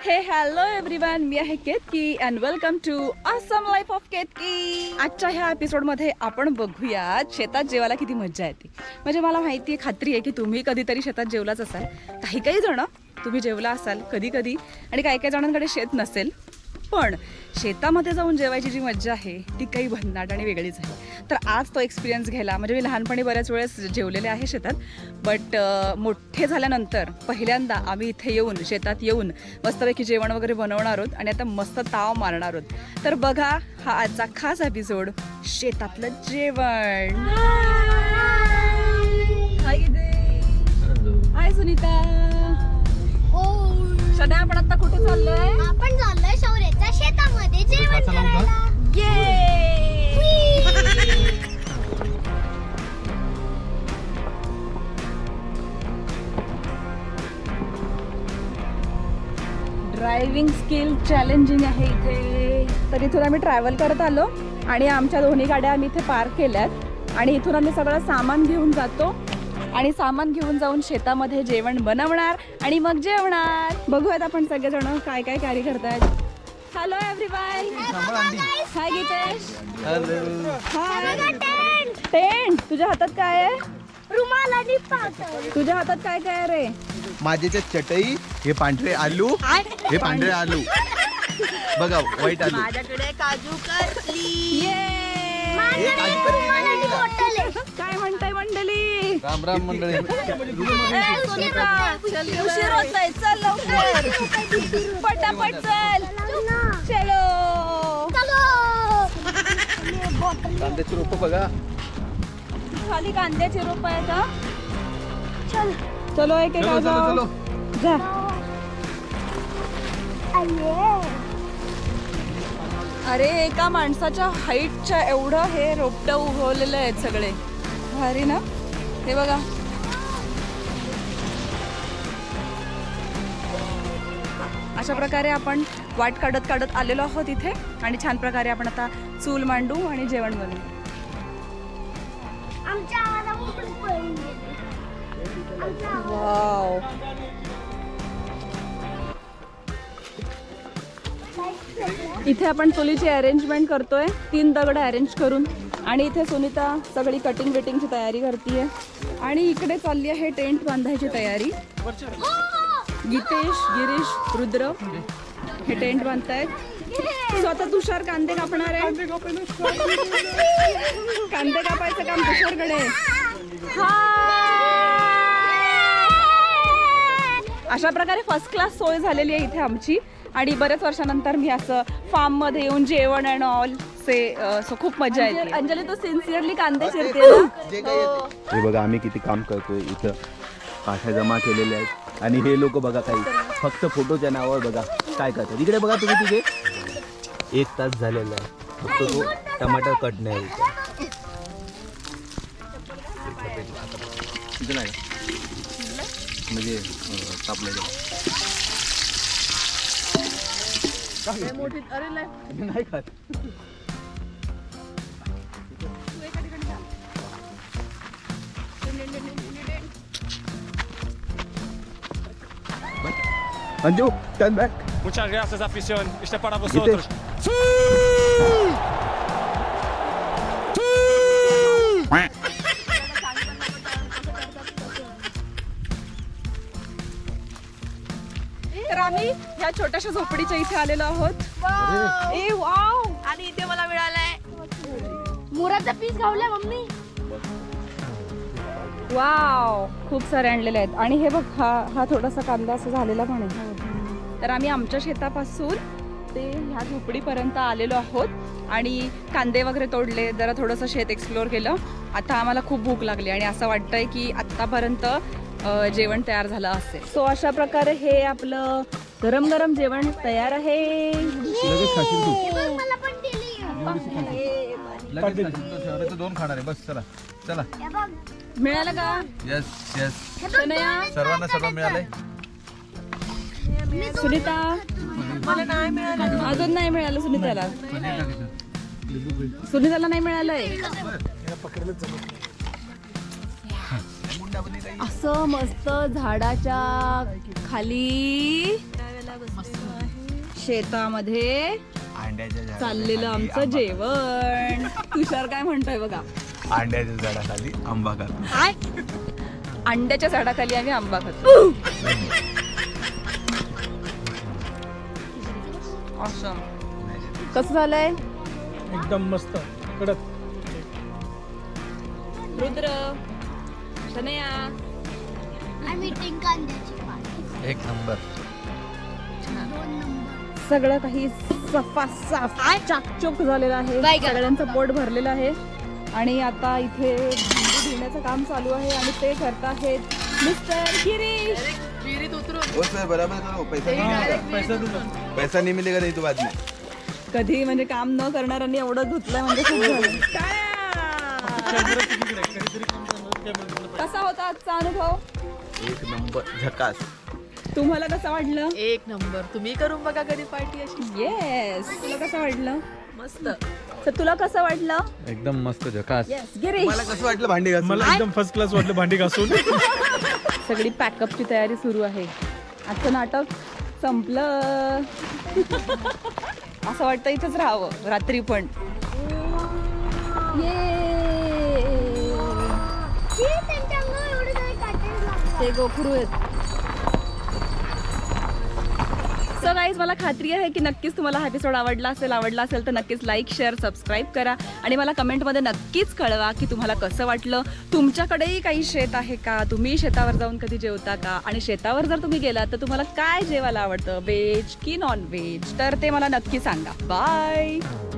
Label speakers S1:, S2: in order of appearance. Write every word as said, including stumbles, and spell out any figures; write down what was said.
S1: हे hello everyone, मी आहे Ketaki and welcome to awesome life of Ketaki. आजच्या ह्या एपिसोडमध्ये आपण बघूया शेतात जेवायला किती मजा येते. म्हणजे मला माहिती आहे, खात्री आहे की तुम्ही कधीतरी शेतात जेवलाच असाल. काही काही जण तुम्ही जेवला असाल कधी कधी, आणि काही काही जणांकडे शेत नसेल. पण शेतामध्ये जाऊन जेवायची जी मजा आहे ती काही भन्नाट आणि वेगळीच आहे. तर आज तो एक्सपिरियन्स घ्यायला, म्हणजे मी लहानपणी बऱ्याच वेळेस जेवलेले आहे शेतात, बट मोठे झाल्यानंतर पहिल्यांदा आम्ही इथे येऊन शेतात येऊन मस्तपैकी जेवण वगैरे बनवणार आहोत आणि आता मस्त ताव मारणार आहोत. तर बघा हा आजचा खास एपिसोड, शेतातलं जेवण. हाय हाय सुनीता. सध्या आपण आता कुठे चाललोय?
S2: आपण चाललोय शौर्याच्या शेतामध्ये जेवण करायला.
S1: ड्रायव्हिंग स्किल चॅलेंजिंग आहे इथे. तर इथून आम्ही ट्रॅव्हल करत आलो आणि आमच्या दोन्ही गाड्या आम्ही इथे पार्क केल्यात आणि इथून आम्ही सगळं सामान घेऊन जातो आणि सामान घेऊन जाऊन शेतामध्ये जेवण बनवणार आणि मग जेवणार. बघूयात आपण सगळेजण काय काय कॅरी करतायत. Hello everyone. Hi Gitesh. Hi. Tent. तुझ्या हातात काय आहे?
S2: रुमाल आणि पातळ.
S1: तुझ्या हातात काय काय आहे रे?
S3: माझे ते चटई, हे पांढरे आलू, हे पांढरे आलू बघा, व्हाईट आलू.
S2: माझ्याकडे काजू कतली.
S3: हे काजू कतली नाही.
S1: काय म्हणताय मंडळी?
S3: राम राम मंडळी.
S1: उशीर होतोय, चल लवकर पटापट चल. चलो
S3: कांद्याची रोप बघा,
S1: खाली कांद्याचे रोप आहे का? चल चलो एक एक
S3: चलो चलो चलो.
S1: जा. अरे एका माणसाच्या हाईटच्या एवढं हे रोपटं उगवलेलं आहेत सगळे. भारी ना. हे बघा, अशा प्रकारे आपण वाट काढत काढत आलेलो आहोत इथे आणि छान प्रकारे आपण आता चूल मांडू आणि जेवण बनवू.
S2: आमच्या आवाजामुळे पळून गेले.
S1: वाव. इथे आपण चुलीची अरेंजमेंट करतोय, तीन दगड अरेंज करून, आणि इथे सुनीता सगळी कटिंग बिटिंगची तयारी करतीये आणि इकडे चालली आहे टेंट बांधायची तयारी. गीतेश, गिरीश, रुद्र हे टेंट बांधतायत. सो आता तुषार कांदे कापणार आहे. कांदे कापायचं काम तुषारकडे. अशा प्रकारे फर्स्ट क्लास सोय झालेली आहे इथे आमची. आणि बऱ्याच वर्षानंतर मी असं फार्म मध्ये येऊन जेवण अँड ऑल से सो खूप मजा येते. अंजली तू सिन्सिअरली कांदे चिरते ना.
S3: हे बघा आम्ही किती काम करतोय इथं. काठ्या जमा केलेल्या आहेत आणि हे लोक बघा काही फक्त फोटोच्या नावावर बघा काय करतात. इकडे बघा तुम्ही, तिथे एक तास झालेला आहे फक्त तो टमाटर कट नाही. तिथे नाही म्हणजे कापलेलं नाही खात. Anju, turn back.
S4: Muchas gracias, afición. Este es para vosotros.
S1: तर आम्ही ह्या छोट्याशा झोपडीच्या इथे आलेलो आहोत. ए वाव. आणि इथे मला मिळालंय
S2: मुराचा पीस खावलाय मम्मी.
S1: वाव, खूप सारे आणलेले आहेत. आणि हे बघ, हा हा थोडासा कांदा असं झालेला पण आहे. तर आम्ही आमच्या शेतापासून ते ह्या झोपडीपर्यंत आलेलो आहोत आणि कांदे वगैरे तोडले, जरा थोडंसं शेत एक्सप्लोअर केलं. आता आम्हाला खूप भूक लागली आणि असं वाटतंय की आत्तापर्यंत जेवण तयार झालं असेल. सो अशा प्रकारे हे आपलं गरम गरम जेवण तयार आहे.
S2: मला पण दिली.
S3: दोन खाणार आहे बस. चला चला.
S1: मिळालं का?
S3: यस यस,
S1: शनया,
S3: सर्वांना सर्व मिळालंय.
S1: सुनीता, मला नाही मिळालं. अजून नाही मिळालं सुनीताला. सुनीताला नाही मिळालंय. असं मस्त झाडाच्या खाली शेतामध्ये
S3: अंड्याच्या झाडाखाली
S1: चाललेलं आमचं
S3: आंबा
S1: जेवण. तुषार काय म्हणतोय बघा.
S3: खातो. अंड्याच्या झाडाखाली आंबा खातो.
S1: काय अंड्याच्या झाडाखाली आम्ही आंबा खातो. Awesome. कसं झालंय
S5: एकदम मस्त कडक.
S1: रुद्र शनया
S2: आम्ही कांद्याची पात
S3: एक नंबर.
S2: दोन नंबर.
S1: सगळं काही सफासाफ चाकचोक झालेलं आहे.
S2: बाय गं.
S1: सगळ्यांचं पोट भरलेलं आहे आणि आता इथे भांडी धुण्याचं काम चालू आहे आणि ते करत आहेत मिस्टर गिरीश.
S3: हो सर बराबर करो. पैसा नहीं मिलेगा.
S5: पैसा तुझा.
S3: पैसा नहीं मिलेगा नहीं तो बाद में.
S1: कधी म्हणजे काम न करणाऱ्यांनी एवढं धुतलंय म्हणजे खूप झालं. कसा होता आजचा अनुभव?
S3: एक नंबर झकास.
S1: तुम्हाला कसं वाटलं?
S6: एक नंबर. तुम्ही करून बघा कधी पार्टी अशी.
S1: येस. तुला कसं वाटलं?
S6: मस्त.
S1: तर तुला कसं वाटलं?
S7: एकदम मस्त झकास.
S1: येस गिरीश.
S3: मला कसं वाटलं भांडी घासून?
S5: मला एकदम फर्स्ट क्लास वाटलं भांडी घासून.
S1: सगळी पॅकअपची तयारी सुरू आहे. आजचं नाटक संपलं. असं वाटतं इथंच राहावं रात्री पण.
S2: छी, त्यांच्या अंगावर एवढे काही काटे लागले.
S1: ते गोखरू आहेत. सो गाईज मला खात्री आहे की नक्कीच तुम्हाला हा एपिसोड आवडला असेल. आवडला असेल तर नक्कीच लाईक शेअर सबस्क्राईब करा आणि मला कमेंटमध्ये नक्कीच कळवा की तुम्हाला कसं वाटलं. तुमच्याकडेही काही शेत आहे का? तुम्ही शेतावर जाऊन कधी जेवता का? आणि शेतावर जर तुम्ही गेलात तर तुम्हाला काय जेवायला आवडतं, व्हेज की नॉन व्हेज? तर ते मला नक्की सांगा. बाय.